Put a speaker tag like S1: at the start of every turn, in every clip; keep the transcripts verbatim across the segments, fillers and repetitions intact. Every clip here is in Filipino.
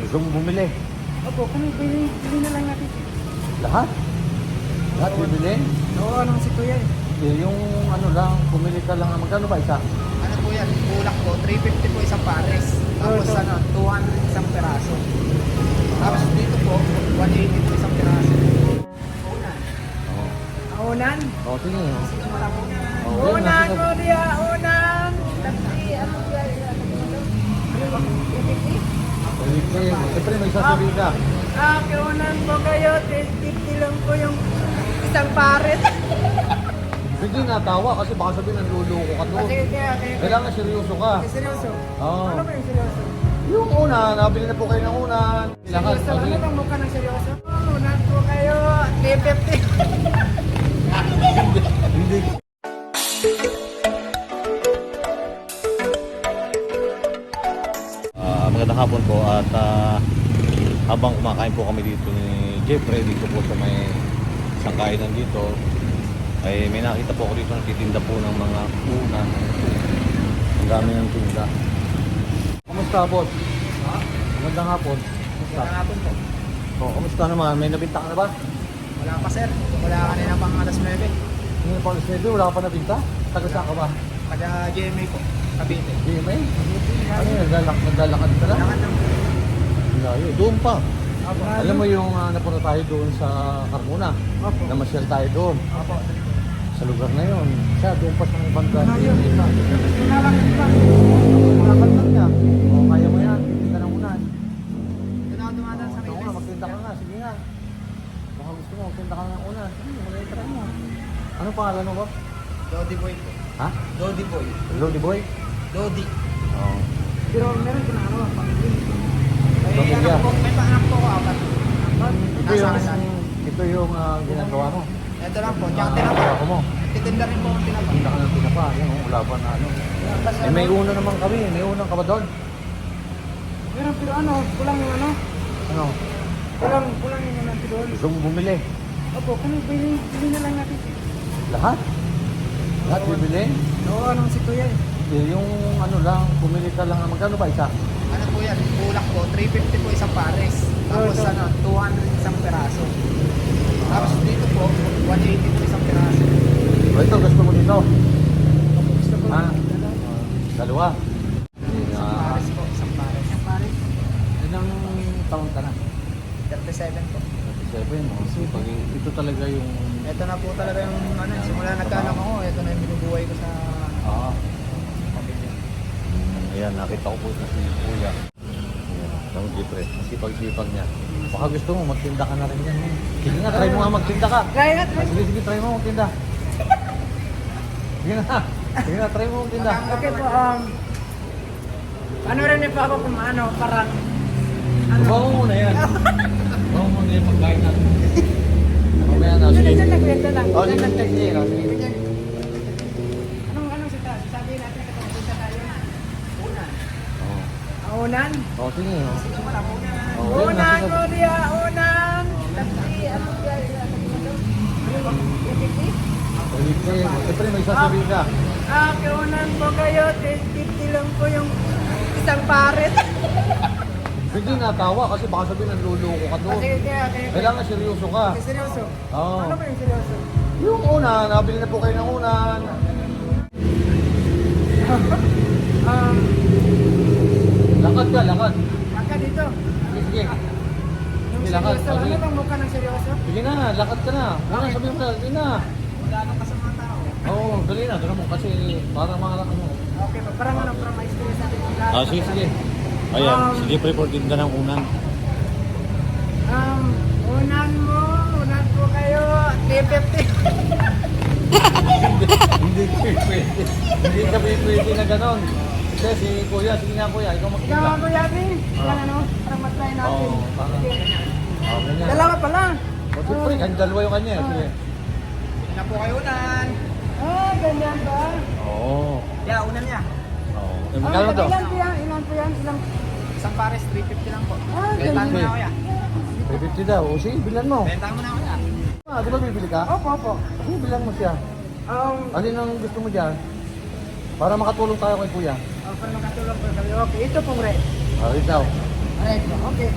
S1: Gusto mo bumili?
S2: Opo, kung bili, bili na lang natin.
S1: Lahat? Lahat bibili?
S2: Oo, anong si Kuya eh.
S1: Eh, yung ano lang, bumili ka lang. Magkano ba isa?
S3: Ano po yan? Bulak po, three fifty po isang pares. Tapos
S2: Ito.
S3: ano, two hundred isang peraso. Tapos dito po, one eighty po isang peraso. Unan.
S1: Oo.
S2: Unan.
S1: Oh, sige. Oh.
S3: Sige, wala po na.
S1: Oh,
S2: Unan,
S1: sige.
S2: Kuya, unan. Tatli, ano ba? Ano ba? fifty?
S1: Bumili. Siyempre may sasabihin ka.
S2: Ah, kiunan po kayo. fifty lang po yung isang pares.
S1: Hindi natawa kasi baka sabihin nanluloko ka doon.
S2: Kasi kaya, kaya.
S1: Kailangan seryoso ka.
S2: Eh, seryoso?
S1: Oo.
S2: Ano ba yung seryoso?
S1: Yung una, nabili na po kayo ng unan. Lakas
S2: Seryoso? Ano
S1: kasi.
S2: bang mukha ng seryoso? Unan po kayo. three fifty.
S1: Hindi. Ah, magandang hapon po at ah, habang kumakain po kami dito ni Jeffrey dito po sa may isang kainan dito ay may nakita po ako dito nagtitinda po ng mga unan. Ang dami ng tinda. Kumusta boss?
S3: Ha?
S1: Magandang hapon. Kumusta?
S3: Wala nga po po.
S1: Oh, kumusta naman? May nabinta ka na ba?
S3: Wala pa sir. Wala kanina pang alas nueve.
S1: Hindi pa alas nueve, wala ka pa nabinta? Taga saan ka ba?
S3: Kada G M A po, Cavite.
S1: G M A? Ano yun? Naglalak, naglalakad ka lang?
S3: Kailangan ng
S1: Layo. Doon pa.
S2: Apo.
S1: Alam mo yung uh, napunta tayo doon sa Carmona.
S2: Opo.
S1: Namasyal tayo doon.
S3: Opo.
S1: Sa lugar na yun. Siya doon pa sa banda.
S2: Layo. Kailangan lang.
S1: Lakad lang niya. O, kaya mo yan. Hindi ka na unan.
S3: Doon ako dumadaan sa
S1: Oo nga,
S3: Reyes.
S1: magtinda ka nga. Sige nga. Baka gusto mo, magtinda ka ng unan. Sige, mag-try mo. Ano pangalan mo ba?
S3: Dodi Boy po.
S1: Ha?
S3: Dodi Boy.
S1: Lodi Boy?
S3: Dodi.
S1: Oo.
S2: Pero meron ko na ano, pamilya.
S3: May
S1: Pamilya.
S3: anak po, may anak po ako apat.
S1: Ito
S3: Nasa
S1: yung,
S3: kasal.
S1: ito yung uh, ginagawa mo.
S3: Ito lang po, tsaka
S1: Ah,
S3: tinapa.
S1: ako mo.
S3: Titinda rin po ang tinapa.
S1: Tinda ka ng tinapa. Yan, oh, wala pa na ano. Eh, may una naman kami. May unang ka ba doon?
S2: Meron pero ano, kulang yung ano,
S1: Ano?
S2: kulang, kulang yung ano doon.
S1: Gusto mo bumili?
S2: Opo, kung bili, bili na lang natin.
S1: Lahat? Lahat bibili?
S2: Oo, anong si Kuya eh.
S1: Eh, yung ano lang, bumili ka lang. Magkano ba isa?
S3: Ano po yan? Bulak po, three fifty po isang pares. Tapos
S2: Ito.
S3: ano, two hundred isang peraso. Tapos dito po, one eighty po isang peraso.
S1: O ito, gusto mo dito?
S2: Gusto ko.
S1: Ah. Dalawa.
S3: Isang
S1: Ah,
S3: pares po, isang pares.
S2: Isang pares.
S1: ilang taon ka na?
S3: thirty-seven po.
S1: thirty-seven. Oh. So, pag ito talaga yung...
S3: Ito na po talaga yung ano, simula nagkaanak ako, ito na yung binubuhay ko sa
S1: Ah.
S3: pamilya.
S1: Mm, ayan, nakita ko po na si Kuya. Ayan, ang Jeffrey. Ang sipag-sipag niya. Baka gusto mo, magtinda ka na rin yan. eh. Sige nga, try mo nga magtinda ka.
S2: Try nga,
S1: Ah,
S2: try.
S1: sige, sige, try mo magtinda. Sige na. Sige na, try mo magtinda.
S2: Okay po, um, ano rin po ako kung ano, parang, ano,
S1: Bawa mo muna yan. Bawa mo muna yung pagkain natin. Mamaya na,
S2: Dyan,
S1: sige.
S2: dyan lang, kuya, dyan lang.
S1: Oh,
S2: Dyan
S1: sige,
S2: lang,
S1: sige, sige.
S2: dyan.
S1: sige.
S2: Dyan. Anong, anong sita? Sabihin natin sa pagpunta tayo.
S3: Una.
S1: Oh.
S2: Ah, Unan?
S1: Oh, sige. oh.
S3: Sige, wala po na.
S1: Oh, yun,
S2: Unan,
S1: nasa-
S2: Korea, unan! Tatli, ano ba? fifty?
S1: Sige, siyempre may sasabihin ka.
S2: Ah, kiunan po kayo. fifty lang po yung isang pares.
S1: Hindi natawa kasi baka sabihin nanluloko ka doon.
S2: Kasi kaya, kaya,
S1: Kailangan seryoso ka.
S2: Kasi seryoso?
S1: Oo.
S2: Ano ba yung seryoso?
S1: Yung una, nabili na po kayo ng unan.
S2: Um,
S1: Lakad ka, lakad.
S2: baka dito.
S1: Sige, sige.
S2: Yung
S1: Sige, lakad.
S2: seryoso,
S1: Oh,
S2: ano
S1: sige.
S2: bang mukha ng seryoso?
S1: Sige na, lakad ka na. Wala, sabihin mo na, sige na.
S3: Wala nang kasama tao.
S1: Oo, dali na, dali mo kasi parang mga ano.
S2: Okay pa, parang ano, parang may experience natin yung lahat.
S1: Ah, sige, sige. Ayan,
S2: Um,
S1: sige pre, for tinda ng unan.
S2: Um, unan mo, unan po kayo, three fifty.
S1: Hindi pwede. Hindi ka pwede na ganon. Kasi si Kuya, sige nga Kuya, ikaw
S2: Ikaw
S1: magtinda.
S2: ako yabi.
S1: Ah.
S2: Yan ano, parang matry natin.
S1: Oo, parang-
S2: Sige.
S1: Oh, ganyan.
S2: Dalawa pa lang.
S1: O, siyempre, ang dalawa yung kanya.
S2: Ah.
S1: Sige.
S3: Hindi na po kayo unan.
S2: Ah, ganyan ba?
S1: Oo.
S3: Yeah, unan niya.
S1: Oo. Eh,
S2: Ah,
S1: magkano to?
S2: ilan po yan? Ilan po yan? Ilan?
S3: Isang pares, three fifty lang po.
S2: Ah,
S3: Bentahan mo
S1: ganyan.
S3: na ako yan.
S1: three fifty daw. O sige, bilan mo.
S3: Bentahan mo na ako yan.
S1: Ah, di ba bibili ka?
S2: Opo, opo.
S1: Sige, bilan mo siya.
S2: Um,
S1: Alin ang gusto mo dyan? Para makatulong tayo kay Kuya.
S2: oh, para makatulong po kami. Okay, ito pong red.
S1: Ah, ikaw.
S2: Ah, Recto. Okay.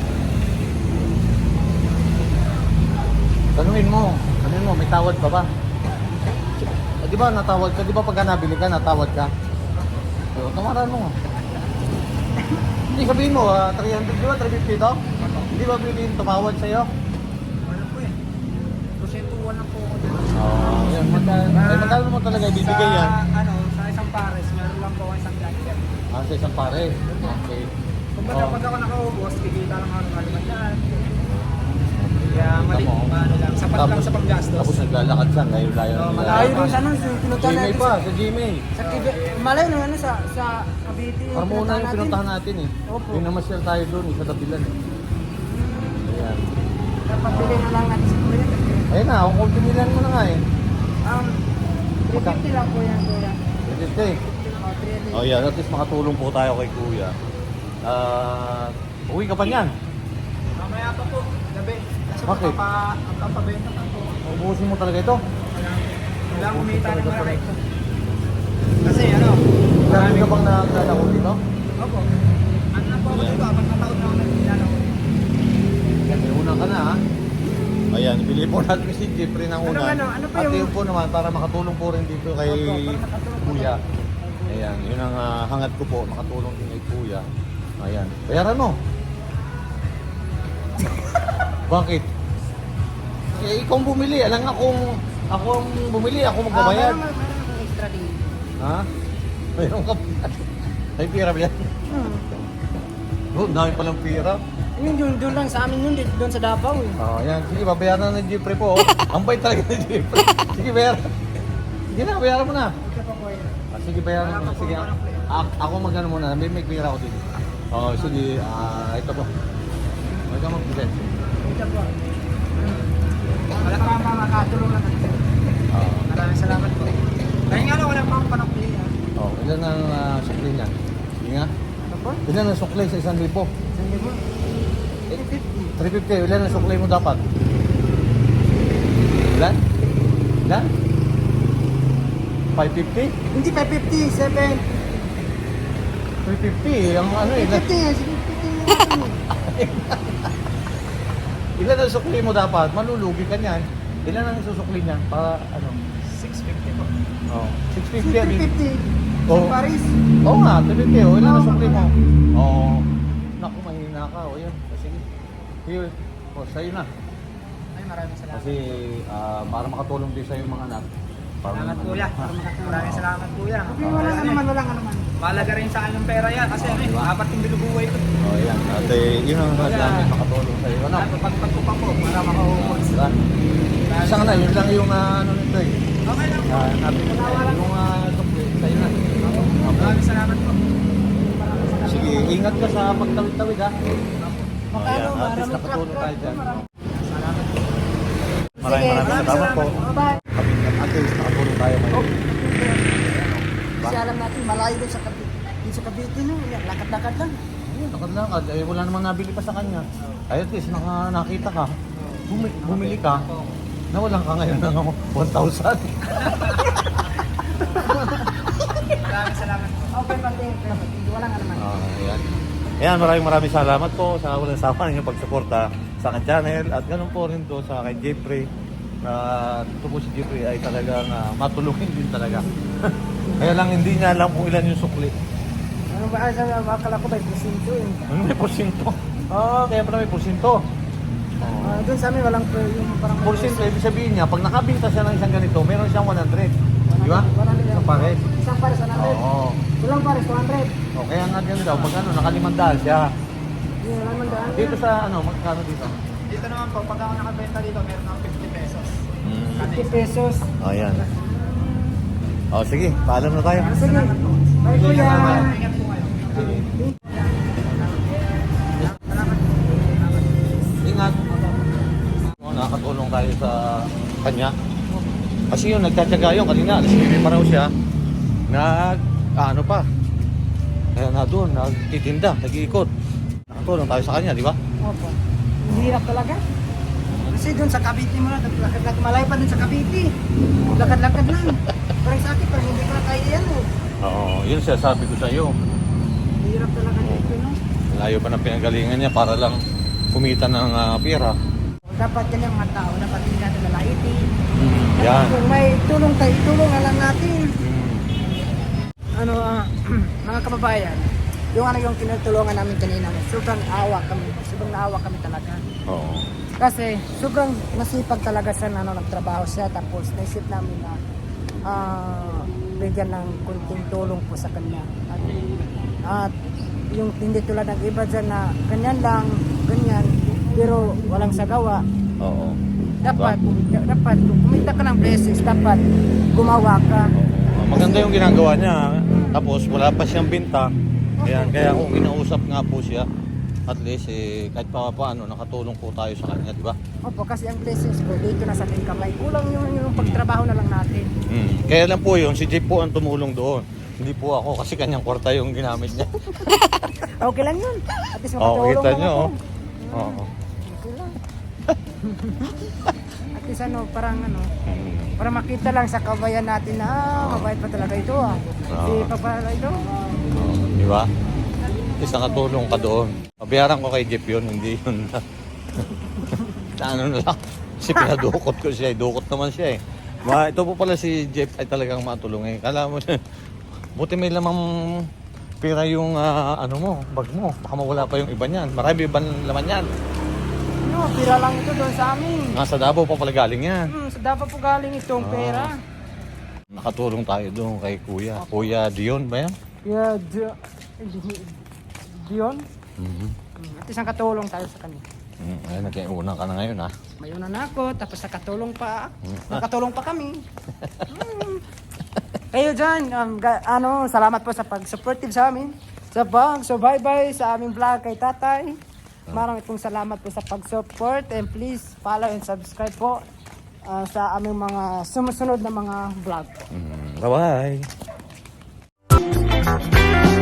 S1: Tanungin mo, tanungin mo, may tawad pa ba? Eh, di ba natawad ka? Di ba pagka nabili ka, natawad ka? So, tamaran mo. Hindi sabihin mo, ah, three hundred, di ba? three fifty to? Hindi ba bilhin tumawad sa'yo?
S3: Ano po eh. Prosentuhan lang po ako dyan.
S1: Oo, yan. Magkano, ay, magkano mo talaga ibibigay yan?
S3: Sa, ano, sa isang pares, meron lang po ako isang jacket.
S1: Ah, sa isang pare. Okay.
S3: Kumbaga
S1: Oo.
S3: pag ako nakaubos, kikita lang ako ng kalimandaan. Kaya
S1: Kita
S3: mali,
S1: mo.
S3: ano lang, sapat lang
S1: Tapos-
S3: sa panggastos.
S1: Tapos naglalakad siya, ngayon layo
S3: Oo,
S1: nila.
S2: Malayo dun sa ano, pinuntahan
S1: Gmail
S2: natin
S1: pa,
S2: sa...
S1: sa Gmail.
S2: Sa Kibe, malayo nung ano sa sa Cavite. yung
S1: Carmona yung
S2: natin.
S1: pinuntahan natin eh.
S2: Opo.
S1: Yung namasyal tayo doon, eh, sa Dapilan eh. Ayan.
S2: Dapat bili na lang natin sa kuya.
S1: Ayun na, kung kultimilan mo na nga eh.
S2: Um, three fifty lang po yan, kuya.
S1: Pwede.
S2: Oh, three fifty.
S1: Oh yan, at least makatulong po tayo kay Kuya. Ah, uwi ka pa niyan.
S3: Mamaya pa po, gabi. Kasi
S1: Bakit?
S3: magpapa- magpapabenta pa po.
S1: Ubusin mo talaga ito.
S3: Kailangan kumita ng marami. Kasi ano,
S1: Marami ka bang naglalako dito?
S3: Opo. Ano na po ako dito, apat na taon na ako naglalaro.
S1: Kasi una ka na ha. Ayan, bili po natin si Jeffrey ng una.
S2: Ano, ano, ano pa
S1: At
S2: yung-
S1: yun po naman, para makatulong po rin dito kay
S2: Opo, para makatulong po
S1: Kuya. Ayan, yun ang ah, hangat ko po, makatulong din kay Kuya. Ayan, bayaran mo. Bakit? Eh, ikaw ang bumili. Alam nga kung ako ang bumili, ako magbabayad.
S2: Ah, meron, meron akong extra din.
S1: Ha? Mayroon ka pa. Ay, pira ba yan?
S2: Hmm.
S1: Oh, dami palang pira.
S2: Yun, yun, doon lang sa amin yun, dito- doon sa Davao eh.
S1: Oh, yan. Sige, babayaran na ng Jeffrey po. Oh. Ang bait talaga ng Jeffrey. Sige, bayaran. Sige na, bayaran mo na.
S2: Ito pa kuya.
S1: Ah, sige, bayaran mo na. Sige, a- ako magano muna. May may pira ako dito. Oh, sige. Ah, ito po. Huwag ka mag-present.
S2: Ito po.
S3: Wala pa ang makakatulong lang natin.
S1: Oh,
S3: Maraming salamat po. Kaya nga lang, wala pa akong panakli.
S1: oh, ilan ang uh, sukli niya? Sige nga.
S2: Ito po.
S1: Ilan ang sukli sa isang libo?
S2: Saan mo? three fifty.
S1: three fifty. Ilan ang sukli mo dapat? Ilan? Ilan? five fifty?
S2: Hindi, five fifty, seven.
S1: three fifty. Ang ano eh.
S2: five fifty yan, sige, fifty yan.
S1: Ilan ang sukli mo dapat? Malulugi ka niyan. Ilan ang susukli niya? Para ano?
S3: six fifty po.
S1: Oh, six fifty. yan.
S2: three fifty.
S1: Oo.
S2: Sa Paris.
S1: Oo nga, three fifty. Oh, ilan ang
S2: Oo,
S1: sukli mo?
S2: okay.
S1: Oo. Naku, mahina ka. O yun. O, sige. Here. O, sa'yo na.
S3: Ay, maraming salamat.
S1: Kasi ah, para makatulong din sa'yo mga anak. Para
S3: Salamat
S1: naman-
S3: kuya. Maraming salamat kuya.
S2: Okay, wala ka naman, wala ka naman.
S3: Mahalaga rin sa akin yung pera yan. Kasi ano, eh, apat yung binubuhay ko.
S1: Oh, yan. At eh, yun ang mga namin makatulong sa'yo. Ano?
S3: Pagpag ko pa po, para makaubos.
S1: Diba? Isa nga na, yun lang yung ah, ano nito eh.
S3: Okay lang po.
S1: Ah, natin yung uh, sukli. Sa'yo na.
S3: Maraming salamat po.
S1: Sige, ingat ka sa pagtawid-tawid ha.
S2: Makano,
S1: Ayan, at least
S2: maraming
S1: nakatulong tayo dyan.
S3: Salamat po.
S1: Maraming maraming salamat po.
S2: Bye.
S1: Kami at least nakatulong tayo ngayon.
S2: Kasi alam natin, malayo din sa Cavite. Din sa Cavite, no? Yan, lakad-lakad lang.
S1: Ayun, nakadlakad. Eh, wala namang nabili pa sa kanya. Ay, at least naka, nakita ka. Bumi, bumili ka. Nawalan ka ngayon ng one thousand.
S3: Maraming salamat po.
S2: Okay, pati. Wala nga naman.
S1: Ah, ayan. Ayan, maraming maraming salamat po sa walang sawa ninyong pagsuporta sa akin channel at ganun po rin to sa kay Jeffrey. Na ito po si Jeffrey ay talagang ah, matulungin din talaga. Kaya lang hindi niya alam kung ilan yung sukli.
S2: Ano ba? Sa akala ko ba, presinto eh.
S1: Ano may porsinto? Oo, kaya pala may porsinto. Oh.
S2: Ah, doon sa amin, walang per, yung parang...
S1: Porsinto, ibig sabihin niya, pag nakabinta siya ng isang ganito, meron siyang one hundred. Di ba? Sa pares.
S2: Isang pares, one hundred.
S1: Oo.
S2: Walang pares, two hundred.
S1: O, kaya nga ganun daw, pag ano, nakalimandaan siya.
S2: Hindi, wala man daan.
S1: Dito sa ano, magkano dito?
S3: Dito naman po, pag ako nakabenta dito, meron akong fifty pesos.
S2: fifty pesos.
S1: O, yan. O, sige, paalam na tayo.
S2: Ah, sige. Bye, kuya.
S3: Ingat po kayo.
S1: Ingat. O, nakakatulong tayo sa kanya. Kasi yun, nagtatyaga yun. Kanina, alas nine pa raw siya. Nag, ah, ano pa. Kaya na doon, nagtitinda, nag-iikot. Nakatulong tayo sa kanya, di ba?
S2: Opo. Ang hirap talaga. Kasi doon sa Cavite mo na, lakad-lakad, malayo pa doon sa Cavite. Lakad-lakad lang. Parang sa akin, parang hindi ko na kaya yan. Oh.
S1: Oo, yun siya sabi ko sa iyo.
S2: Hirap talaga dito, no?
S1: Layo pa ng pinagalingan niya para lang kumita ng ah, pera.
S2: Dapat yan yung mga tao, dapat hindi natin lalaitin.
S1: Yan.
S2: Kung may tulong tayo, tulong na lang natin.
S1: Mm.
S2: Ano, ah, mga kababayan, yung ano yung tinutulungan namin kanina, sobrang awa kami, sobrang naawa kami talaga.
S1: Oo.
S2: Kasi sobrang nasipag talaga siya na ano, nagtrabaho siya, tapos naisip namin na ah, bigyan ng kunting tulong po sa kanya. At, at yung hindi tulad ng iba dyan na ganyan lang, ganyan, pero walang sagawa.
S1: Oo.
S2: Dapat, dapat, kung kumita ka ng blessings, dapat gumawa ka.
S1: Oo. Maganda yung ginagawa niya. Tapos wala pa siyang binta. Kaya, kaya kung kinausap nga po siya, at least eh, kahit pa paano nakatulong po tayo sa kanya, di ba?
S2: Opo, kasi ang blessings po dito na sa ating kamay. Kulang yung, yung pagtrabaho na lang natin.
S1: Mm. Kaya lang po yun, si Jeep po ang tumulong doon. Hindi po ako kasi kanyang kwarta yung ginamit niya.
S2: Okay lang yun. At least
S1: Oo,
S2: makatulong
S1: kita
S2: lang
S1: niyo.
S2: ako.
S1: Oh. Oo.
S2: Okay lang. At least ano, parang ano,
S1: Mm.
S2: para makita lang sa kabayan natin na ah, mabait pa talaga ito ah. Si
S1: Oo.
S2: Papa ito.
S1: Oo, di ba? Is nakatulong ka doon. Pabayaran ko kay Jeep yun, hindi yun. Na ano na lang. Kasi pinadukot ko siya, eh. Dukot naman siya eh. Ma, ito po pala si Jeff ay talagang matulong eh. Kala mo, buti may lamang pera yung ah, ano mo, bag mo. Baka mawala pa yung iba niyan. Marami ibang laman yan.
S2: Ano, pira lang ito doon sa amin.
S1: Nasa Davao pa pala galing yan.
S2: Hmm, sa Davao po galing itong
S1: Ah.
S2: pera.
S1: Nakatulong tayo doon kay Kuya. Kuya Dion ba yan?
S2: Yeah, Dio- Dion.
S1: Mhm.
S2: Hmm, At least nakatulong tayo sa kanya.
S1: Mm, ayun, nagkiuna ka na ngayon ha.
S2: May una na ako, tapos nakatulong pa.
S1: Hmm.
S2: Nakatulong pa kami. Hmm. Kayo dyan, um, ga- ano, salamat po sa pag-supportive sa amin. Sa pag, so bye-bye sa aming vlog kay tatay. Maraming pong salamat po sa pag-support and please follow and subscribe po uh, sa aming mga sumusunod na mga vlog po.
S1: Mm, bye-bye!